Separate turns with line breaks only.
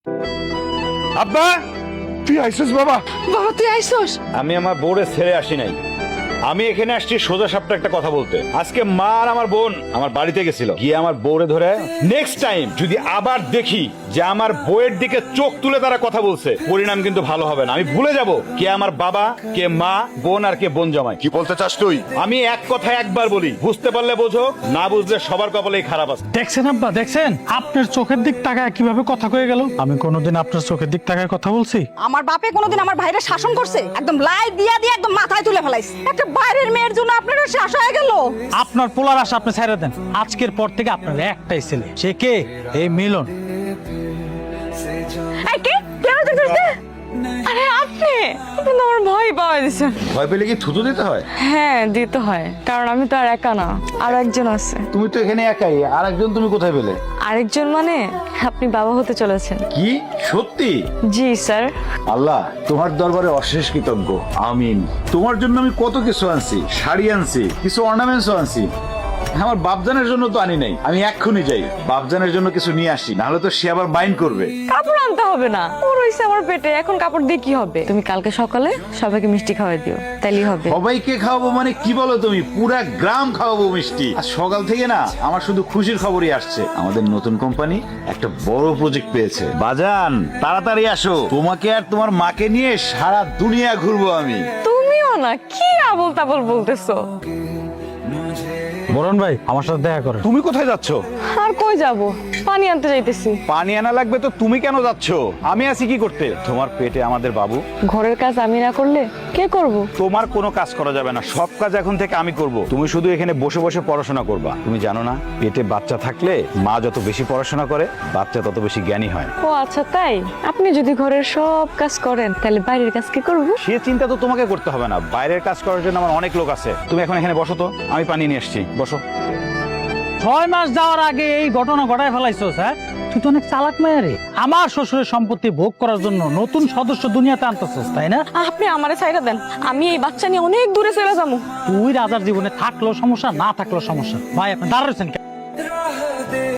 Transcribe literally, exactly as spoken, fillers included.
আব্বা
তুই আইসস বাবা?
বাবা তুই আইসস?
আমি আমার বোরে ছেড়ে আসি নাই, আমি এখানে আসছি সোজা সাপটা একটা কথা বলতে। আজকে মা আর আমার বোন আমার বাড়িতে গেছিল, গিয়ে আমার বউরে ধরে নেক্সট টাইম যদি আবার দেখি যে আমার বউয়ের দিকে চোখ তুলে তারা কথা বলছে, পরিণাম কিন্তু ভালো হবে না। আমি ভুলে যাব কে আমার বাবা, কে মা, বোন আর কে বোন জামাই।
কি বলতে চাস তুই?
আমি এক কথায় একবার বলি, বুঝতে পারলে বোঝো, না বুঝলে সবার কপালেই খারাপ আছে।
দেখছেন আব্বা, দেখছেন আপনার চোখের দিক তাকায় কিভাবে কথা কয়ে গেল? আমি কোনোদিন আপনার চোখের দিক তাকায় কথা বলছি?
আমার বাপে কোনোদিন আমার ভাইরে শাসন করছে? একদম লাই দিয়া দিয়া একদম মাথায় তুলে ফেলাইছে। একটা বাইরের মেয়ের জন্য আপনারা শেষ হয়ে গেল।
আপনার পোলার আশা আপনি ছেড়ে দেন। আজকের পর থেকে আপনার একটাই ছেলে, সে কে? এই মিলন।
এই কে? কেন দেখতেছিস? আরে আপনি আপনি তো আমার ভয় পাওয়া দিছেন।
ভয় পেলে কি থুতু দিতে হয়?
হ্যাঁ দিতে হয়, কারণ আমি তো আর একা না, আরো একজন আছে।
তুমি তো এখানে একাই, আর একজন তুমি কোথায় পেলে?
আরেকজন মানে আপনি বাবা হতে চলেছেন।
কি সত্যি?
জি স্যার।
আল্লাহ তোমার দরবারে অশেষ কৃতজ্ঞ, আমিন। তোমার জন্য আমি কত কিছু আনছি, শাড়ি আনছি, কিছু অর্নামেন্টসও আনছি। আমার বাপজানের জন্য তো আনি নাই। আমি এক্ষুনি যাই, বাপজানের জন্য কিছু নিয়ে আসি, নাহলে তো সে আবার মাইন্ড করবে।
কাপড় আনতে হবে না, ও রইছে আমার পেটে, এখন কাপড় দিয়ে কি হবে? তুমি কালকে সকালে সবাইকে মিষ্টি খাওয়াই দিও, তাইলেই হবে।
সবাইকে খাওয়াবো মানে কি বলো তুমি? পুরা গ্রাম খাওয়াবো মিষ্টি। আর সকাল থেকে না আমার শুধু খুশির খবরই আসছে। আমাদের নতুন কোম্পানি একটা বড় প্রজেক্ট পেয়েছে। বাজান তাড়াতাড়ি আসো, তোমাকে আর তোমার মাকে নিয়ে সারা দুনিয়া ঘুরবো আমি।
তুমিও না, কি আবল তাবল বলতেছো?
বরুণ ভাই আমার সাথে দেখা করেন।
তুমি কোথায় যাচ্ছ?
আর কই যাব? পানি আনতে যাইতেছি।
পানি আনা লাগবে তো তুমি কেন যাচ্ছ? আমি আছি কি করতে? তোমার পেটে আমাদের বাবু।
ঘরের কাজ আমি না করলে কে করব?
তোমার কোনো কাজ করা যাবে না, সব কাজ এখন থেকে আমি করব। তুমি শুধু এখানে বসে বসে পড়াশোনা করবা। তুমি জানো না, পেটে বাচ্চা থাকলে মা যত বেশি পড়াশোনা করে, বাচ্চা তত বেশি জ্ঞানী হয়।
ও আচ্ছা তাই? আপনি যদি ঘরের সব কাজ করেন তাহলে বাইরের কাজ কি করব?
সে চিন্তা তো তোমাকে করতে হবে না, বাইরের কাজ করার জন্য আমার অনেক লোক আছে। তুমি এখন এখানে বসো তো, আমি পানি নিয়ে এসেছি, বসো।
ছয় মাস যাওয়ার আগে এই ঘটনা ঘটায় ফেলাইছস? হ্যাঁ, তুই তো অনেক চালাক মেয়ে রে। আমার শ্বশুরের সম্পত্তি ভোগ করার জন্য নতুন সদস্য দুনিয়াতে আনতেছস, তাই না?
আপনি আমারে ছাইড়া দেন, আমি এই বাচ্চা নিয়ে অনেক দূরে চলে যাবো।
তুই রাজার জীবনে থাকলেও সমস্যা, না থাকলেও সমস্যা। ভাই আপনি দাঁড়াচ্ছেন কেন?